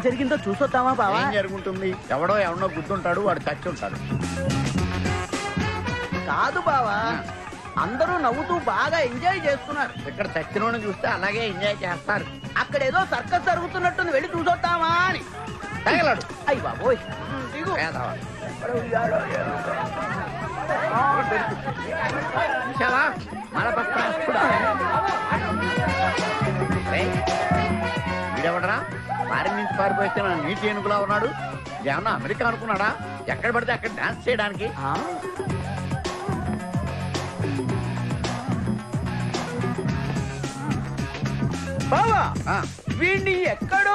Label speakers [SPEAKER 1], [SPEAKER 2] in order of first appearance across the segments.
[SPEAKER 1] జరిగిందో చూసొద్దామా బావా?
[SPEAKER 2] ఏం జరుగుతుంది? ఎవడో గుర్తుంటాడు, వాడు చచ్చి ఉంటాడు.
[SPEAKER 1] కాదు బావా, అందరూ నవ్వుతూ బాగా ఎంజాయ్ చేస్తున్నారు.
[SPEAKER 2] ఇక్కడ చచ్చినోని చూస్తే అలాగే ఎంజాయ్ చేస్తారు.
[SPEAKER 1] అక్కడ ఏదో సర్కస్ జరుగుతున్నట్టుంది, వెళ్ళి చూసొద్దామా అని.
[SPEAKER 2] తగలడు.
[SPEAKER 1] అయ్యి బాబోయ్, దిగు.
[SPEAKER 2] పేదవా.
[SPEAKER 1] ఎక్కడ ఉయ్యాలో ఏమో.
[SPEAKER 2] చూశావా? మలబద్ధస్తుడా. రేయ్, వీడెవడరా? ఫారిన్ నుంచి పారిపోతే నా నీటి ఏనుగులా ఉన్నాడు. ఏమన్నా అమెరికా అనుకున్నాడా? ఎక్కడ పడితే అక్కడ డాన్స్ చేయడానికి.
[SPEAKER 1] ఆ? బావా,
[SPEAKER 2] ఆ,
[SPEAKER 1] వీణ్ణి ఎక్కడో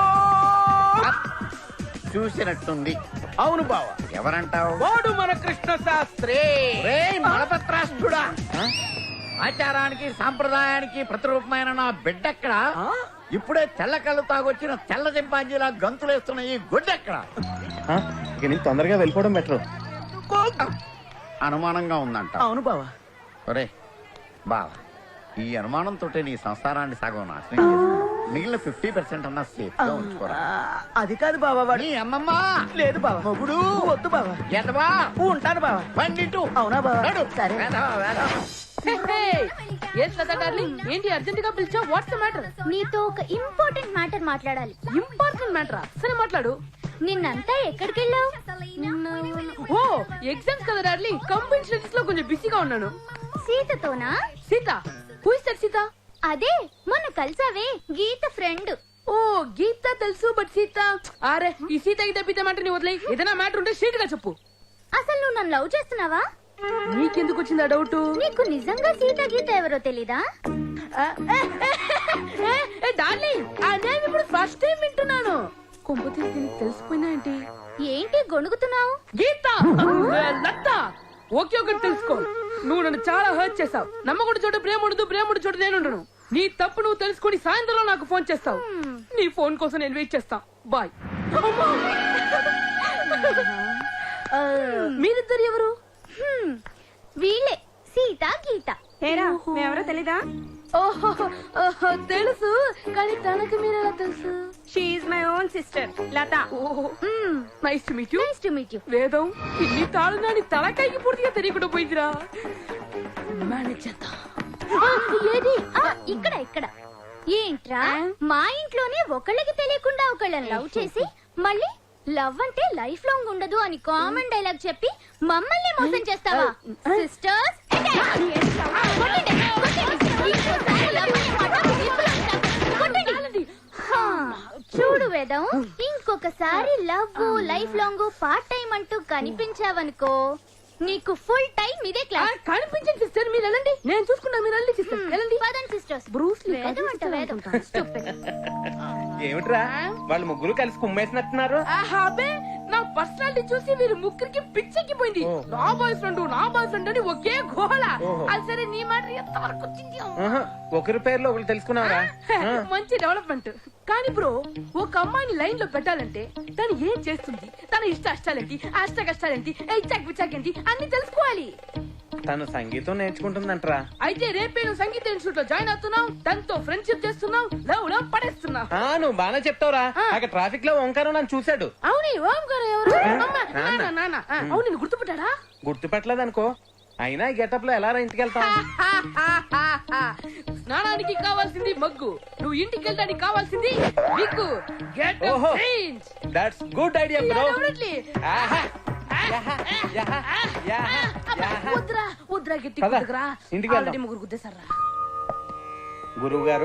[SPEAKER 2] చూసినట్టుంది.
[SPEAKER 1] అవును బావా,
[SPEAKER 2] ఎవరంటావు?
[SPEAKER 1] వాడు మన కృష్ణ శాస్త్రి.
[SPEAKER 2] రేయ్ మలబద్ధస్తుడా. ఆచారానికి సాంప్రదాయానికి ప్రతిరూపమైన నా బిడ్డెక్కడ?
[SPEAKER 1] ఆ?
[SPEAKER 2] ఇప్పుడే తెల్ల కళ్ళు తాగొచ్చిన తెల్ల చింపాంజీలా గంతులేస్తున్న ఈ గుడ్డెక్కడ?
[SPEAKER 3] తొందరగా వెళ్ళిపోవడం బెటర్.
[SPEAKER 2] అనుమానంగా ఉందంట.
[SPEAKER 1] అవును బావా.
[SPEAKER 2] ఒరే బావా, ఈ అనుమానంతో నీ సంసారాన్ని సగం నాశనం చేసి మిగిలిన 50% అన్నా సేఫ్ గా ఉంచుకోరా.
[SPEAKER 1] అది కాదు బావా, వాడు.
[SPEAKER 2] నీ అమ్మమ్మ
[SPEAKER 1] లేదు బావా.
[SPEAKER 2] మొగుడు
[SPEAKER 1] వద్దు బావా.
[SPEAKER 2] ఎదవా
[SPEAKER 1] ఉంటాను బావా.
[SPEAKER 2] పండిట్టు.
[SPEAKER 1] అవునా బావా?
[SPEAKER 2] నడు.
[SPEAKER 1] సరే.
[SPEAKER 2] వేదవా, వేదవా.
[SPEAKER 4] ఏంటి అర్జెంట్ గా పిలిచా? What's the matter?
[SPEAKER 5] నీతో ఒక ఇంపార్టెంట్ మ్యాటర్ మాట్లాడాలి.
[SPEAKER 4] ఇంపార్టెంట్ మ్యాటరా? సరే మాట్లాడు.
[SPEAKER 5] నిన్నంతా ఎక్కడికి వెళ్ళావు?
[SPEAKER 4] ఓ ఎగ్జామ్స్ కదా డార్లింగ్, కంపెనీ స్టడీస్ లో కొంచెం బిజీగా ఉన్నాను.
[SPEAKER 5] సీతతోనా?
[SPEAKER 4] Sita? Who is that Sita?
[SPEAKER 5] అదే మొన్న కలిసావే, గీత ఫ్రెండ్.
[SPEAKER 4] ఓ గీత తెలుసు, బట్ సీత అరే ఈ సీత గీత పీత మాట నీ వదిలే. ఏదైనా మ్యాటర్ ఉంటే స్ట్రీట్ గా చెప్పు.
[SPEAKER 5] అసలు నువ్వు నన్ను లవ్ చేస్తున్నావా?
[SPEAKER 4] నీకెందుకు వచ్చింది ఆ డౌట్?
[SPEAKER 5] నీకు నిజంగా సీత గీత ఎవరో తెలీదా?
[SPEAKER 4] డార్లింగ్ ఆ నేమ్ ఇప్పుడు ఫస్ట్ టైం వింటున్నాను. కొంపతి దీనికి తెలిసిపోయినా ఏంటి?
[SPEAKER 5] ఏంటి గొణుగుతున్నావు?
[SPEAKER 4] గీత లత. ఓకే ఒకటి తెలుసుకో, నువ్వు నన్ను చాలా హర్ట్ చేసావు. నమ్మకుడు చోట ప్రేమ ఉండదు, ప్రేమ ఉండు చోట నేనుండను. నీ తప్పు నువ్వు తెలుసుకొని సాయంత్రంలో నాకు ఫోన్ చేస్తావు. నీ ఫోన్ కోసం నేను వెయిట్ చేస్తా. బాయ్. మీరిద్దరు ఎవరు?
[SPEAKER 5] వీళ్ళే సీత గీత.
[SPEAKER 6] ఎవరో తెలీదా?
[SPEAKER 4] ఓహో తెలుసు, కానీ తనకి మీరెలా తెలుసు?
[SPEAKER 6] She's my own sister Latha.
[SPEAKER 4] Nice to meet you.
[SPEAKER 5] Nice to meet you.
[SPEAKER 4] Vedam ఇన్ని తాళు నాని తలకాయకి పూర్తిగా తెలియకుండా పోయిందిరా. మేనేజ్ చేద్దాం.
[SPEAKER 5] ఏది? ఇక్కడ ఇక్కడ. ఏంట్రా, మా ఇంట్లోనే ఒకళ్ళకి తెలియకుండా ఒకళ్ళని లవ్ చేసి మళ్ళీ లవ్ అంటే లైఫ్ లాంగ్ ఉండదు అని కామన్ డైలాగ్ చెప్పి మమ్మల్ని మోసం చేస్తావా? సిస్టర్స్ చూడు వేదం, ఇంకొకసారి love life long part time అంటూ కనిపించావనుకో నీకు ఫుల్ టైం ఇదే క్లాస్.
[SPEAKER 4] కనిపించండి సిస్టర్, మీరు వెళ్ళండి, నేను చూసుకున్నా. మీరు వెళ్ళండి సిస్టర్, వెళ్ళండి.
[SPEAKER 5] పదండి సిస్టర్స్.
[SPEAKER 4] బ్రూస్ లీ
[SPEAKER 5] వేదం అంట వేదం. Stupid.
[SPEAKER 3] ఏమిట్రా వాళ్ళు ముగ్గురు కలిసి కుమ్మేసినట్టున్నారు?
[SPEAKER 4] అబ్బే, నా పర్సనాలిటీ చూసి వీరు ముగ్గురికి పిచ్చెక్కిపోయింది. నా బాయ్ ఫ్రెండ్ అని ఒకే గోళ. అది సరే, నీ మాట ఎంత వరకు వచ్చింది?
[SPEAKER 3] ఒకరి పేర్లో ఒకరు తెలుసుకున్నావరా?
[SPEAKER 4] మంచి డెవలప్మెంట్. కానీ బ్రో, ఒక అమ్మాయిని లైన్ లో పెట్టాలంటే తను ఏం చేస్తుంది, తన ఇష్ట అష్టాలేంటి, అష్ట కష్టాలేంటి, ఇచ్చాక్ విచాక్ ఏంటి అన్ని తెలుసుకోవాలి.
[SPEAKER 3] తను సంగీతం నేర్చుకుంటుందంటరా.
[SPEAKER 4] అయితే రేపే నువ్వు సంగీత ఇన్స్టిట్యూట్ లో జాయిన్ అవుతున్నావు, తనతో ఫ్రెండ్షిప్ చేస్తున్నావు, లవ్ లో పడేస్తున్నావు.
[SPEAKER 3] నువ్వు బాగా చెప్తావురా. అక్కడ ట్రాఫిక్ లో ఓంకారం నన్ను చూశాడు.
[SPEAKER 4] అవును, ఓంకారం ఎవరు? నాన్న. అవును, నేను గుర్తుపట్టాడా?
[SPEAKER 3] గుర్తుపట్టలేదనుకో, అయినా ఈ గెటప్ లో ఎలా ఇంటికి వెళ్తాం?
[SPEAKER 4] స్నానానికి కావాల్సింది మగ్గు, నువ్వు ఇంటికి వెళ్ళడానికి కావాల్సింది విగ్గు. గెట్
[SPEAKER 3] ఓహో,
[SPEAKER 4] change.
[SPEAKER 3] That's good idea bro.
[SPEAKER 4] వద్దురా గట్టి
[SPEAKER 3] పద,
[SPEAKER 4] కుదుకురా.
[SPEAKER 3] ఇంటికి వెళ్దాం.
[SPEAKER 4] ఆల్రెడీ ముగ్గురు గుద్దేశారా?
[SPEAKER 3] గురువు గారు,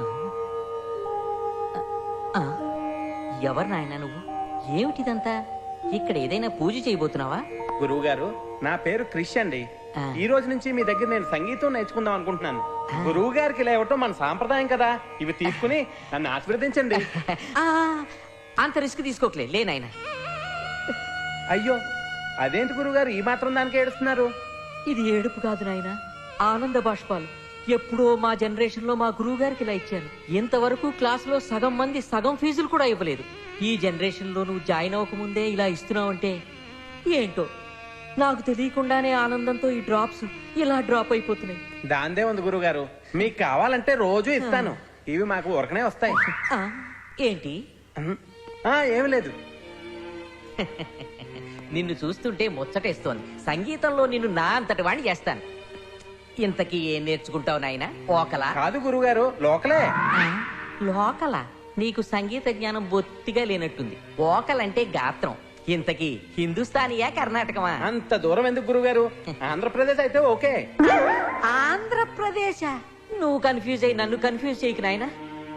[SPEAKER 7] ఎవరు నాయనా నువ్వు? ఏమిటిదంతా? ఇక్కడ ఏదైనా పూజ చేయబోతున్నావా?
[SPEAKER 3] గురువు గారు, నా పేరు క్రిష్ అండి. ఈ రోజు నుంచి మీ దగ్గర నేను సంగీతం నేర్చుకుందాం అనుకుంటున్నాను. గురువు గారికి ఇలా ఇవ్వటం మన సాంప్రదాయం కదా. ఇవి తీసుకుని నన్ను ఆశీర్వదించండి.
[SPEAKER 7] అంత రిస్క్ తీసుకోకలే, లే నాయనా.
[SPEAKER 3] అయ్యో, అదేంటి గురువు గారు ఈ మాత్రం దానికి ఏడుస్తున్నారు?
[SPEAKER 7] ఇది ఏడుపు కాదు నాయనా, ఆనంద బాష్పాలు. ఎప్పుడో మా జనరేషన్ లో మా గురువు గారికి ఇలా ఇచ్చారు. ఇంతవరకు క్లాస్ లో సగం మంది సగం ఫీజులు కూడా ఇవ్వలేదు. ఈ జనరేషన్ లో నువ్వు జాయిన్ అవ్వకముందే ఇలా ఇస్తున్నావంటే ఏంటో, నాకు తెలియకుండానే ఆనందంతో ఈ డ్రాప్స్ ఇలా డ్రాప్ అయిపోతున్నాయి.
[SPEAKER 3] దాందే ఉంది గురువు గారు, మీకు కావాలంటే రోజు ఇస్తాను. ఇవి మాకు ఊరకనే వస్తాయి.
[SPEAKER 7] ఏంటి?
[SPEAKER 3] ఏమి లేదు.
[SPEAKER 7] నిన్ను చూస్తుంటే ముచ్చటేస్తోంది. సంగీతంలో నిన్ను నా అంతటి వాణ్ణి చేస్తాను. ఇంతకీ ఏం నేర్చుకుంటావు నాయనా? ఓకలా?
[SPEAKER 3] కాదు గురుగారు, లోకలే.
[SPEAKER 7] లోకలా? నీకు సంగీత జ్ఞానం బొత్తిగా లేనట్టుంది. ఓకలంటే గాత్రం. ఇంతకీ హిందుస్థానీయా కర్ణాటకమా?
[SPEAKER 3] అంత దూరం ఎందుకు గురుగారు? ఆంధ్రప్రదేశ్ అయితే ఓకే.
[SPEAKER 7] ఆంధ్రప్రదేశ్? నువ్వు కన్ఫ్యూజ్ అయ్యి నన్ను కన్ఫ్యూజ్ చేయకు నాయనా.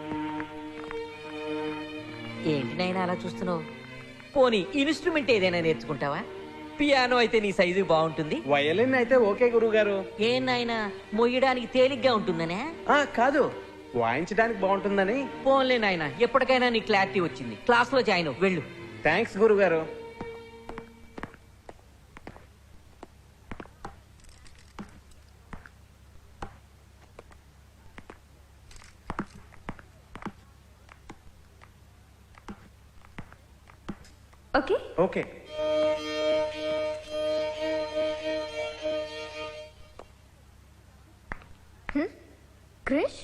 [SPEAKER 7] ఏంటి నాయనా అలా చూస్తున్నావు? పోనీ ఇన్స్ట్రుమెంట్ ఏదైనా నేర్చుకుంటావా? పియానో అయితే నీ సైజు బాగుంటుంది.
[SPEAKER 3] వయలిన్ అయితే ఓకే గురుగారు.
[SPEAKER 7] ఏం నాయనా, మొయ్యడానికి తేలిగ్గా ఉంటుందనే?
[SPEAKER 3] కాదు, వాయించడానికి బాగుంటుందని.
[SPEAKER 7] పోన్లే నాయనా, ఎప్పటికైనా నీ క్లారిటీ వచ్చింది. క్లాస్ లో జాయిన్ అవ్వు, వెళ్ళు.
[SPEAKER 3] థ్యాంక్స్ గురుగారు.
[SPEAKER 6] Okay
[SPEAKER 3] okay.
[SPEAKER 5] Krish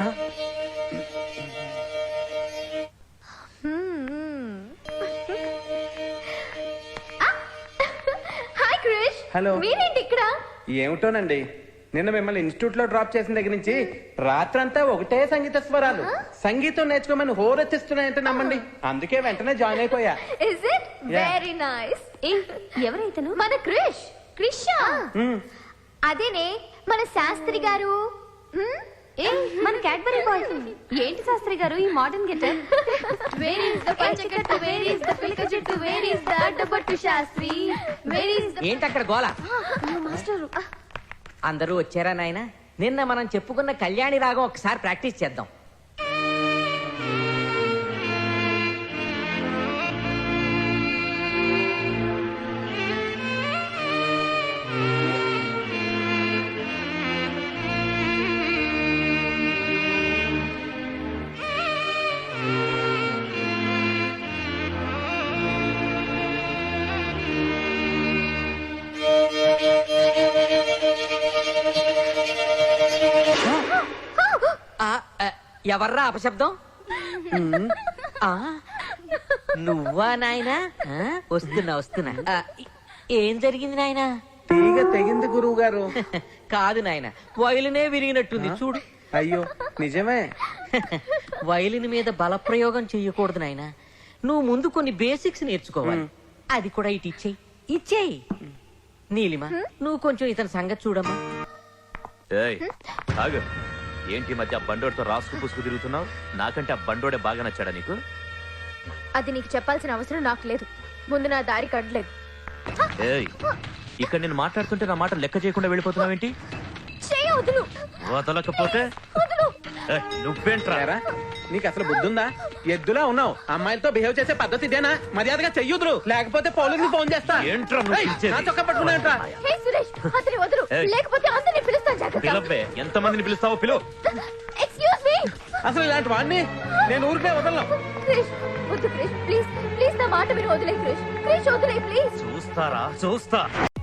[SPEAKER 5] hi Krish.
[SPEAKER 3] Hello.
[SPEAKER 5] మీరేంటి ఇక్కడ?
[SPEAKER 3] ఏమిటోనండి, నిన్న మిమ్మల్ని ఇన్స్టిట్యూట్ లో డ్రాప్ చేసిన దగ్గర నుంచి రాత్రంతా ఒకటే సంగీత స్వరాలు. సంగీతం నేర్చుకోమని హోరెత్తిస్తున్నాయంటే నమ్మండి. అందుకే వెంటనే జాయిన్ అయిపోయా.
[SPEAKER 5] Is it
[SPEAKER 3] Yeah.
[SPEAKER 5] Very nice. ఎవరైతను? మన క్రిష్. క్రిషా? అదేనే మన శాస్త్రి గారు. మన క్యాడ్బరీ బాయ్. ఏంటి శాస్త్రి గారు ఈ modern getup? Where is the పంచకట్టు, వేర్ ఇస్ ద పిలక చెట్టు, వేర్ ఇస్ ద అడ్డపట్టు శాస్త్రి, వేర్ ఇస్ ద...
[SPEAKER 7] ఏంటి అక్కడ గోల?
[SPEAKER 5] మాస్టరు.
[SPEAKER 7] అందరూ వచ్చారా నాయనా? నిన్న మనం చెప్పుకున్న కళ్యాణి రాగం ఒకసారి ప్రాక్టీస్ చేద్దాం. ఎవర్రా అపశబ్దం? ఆ, నువ్వా నాయనా? వస్తున్నా వస్తున్నా. ఏం జరిగింది నాయనా?
[SPEAKER 3] తీగ తెగింది గురువు గారు.
[SPEAKER 7] కాదు నాయనా, వయలునే విరిగినట్టుంది చూడు.
[SPEAKER 3] అయ్యో నిజమే.
[SPEAKER 7] వయలిన్ మీద బలప్రయోగం చెయ్యకూడదు నాయనా. నువ్వు ముందు కొన్ని బేసిక్స్ నేర్చుకోవాలి. అది కూడా ఇటు ఇచ్చేయి. నీలిమా, నువ్వు కొంచెం ఇతని సంగతి చూడమ్మా.
[SPEAKER 8] ఏంటి మధ్య బండోడితో రాసుకు పుసుకు తిరుగుతున్నావు? నాకంటే ఆ బండోడే బాగా నచ్చాడా నీకు?
[SPEAKER 5] అది నీకు చెప్పాల్సిన అవసరం నాకు లేదు. ముందు నా దారి కట్టలేదు.
[SPEAKER 8] ఏయ్, ఇక్కడ నేను మాట్లాడుతుంటే నా మాట లెక్క చేయకుండా వెళ్ళిపోతున్నావేంటి?
[SPEAKER 5] వదులు.
[SPEAKER 8] వదలకపోతే నువ్వేంట్రా?
[SPEAKER 3] ఏరా, నీకు అసలు బుద్ధుందా? ఎద్దులా ఉన్నావు. అమ్మాయిలతో బిహేవ్ చేసే పద్ధతి ఇదేనా? మర్యాదగా చెయ్యుదురు, లేకపోతే పోలీసులు ఫోన్ చేస్తా.
[SPEAKER 8] ఏంట్రా నువ్వు
[SPEAKER 3] ఏయ్,
[SPEAKER 8] పిలిచేది?
[SPEAKER 3] నా చొక్కా పట్టుకున్నాయంట్రా.
[SPEAKER 5] హే సురేష్, అతని వదులు.
[SPEAKER 8] ఏయ్.
[SPEAKER 5] లేకపోతే అందరిని పిలుస్తాను జాగ్రత్త.
[SPEAKER 8] పిలవ్వే, ఎంతమందిని పిలుస్తావో పిలువు.
[SPEAKER 5] Excuse me.
[SPEAKER 3] అసలు ఇలాంటి వాడిని నేను ఊరికే వదలను.
[SPEAKER 5] క్రిష్, వద్దు క్రిష్, ప్లీజ్ ప్లీజ్ నా మాట మీరు వదిలే క్రిష్. క్రిష్ వదిలే ప్లీజ్.
[SPEAKER 8] చూస్తారా? చూస్తా.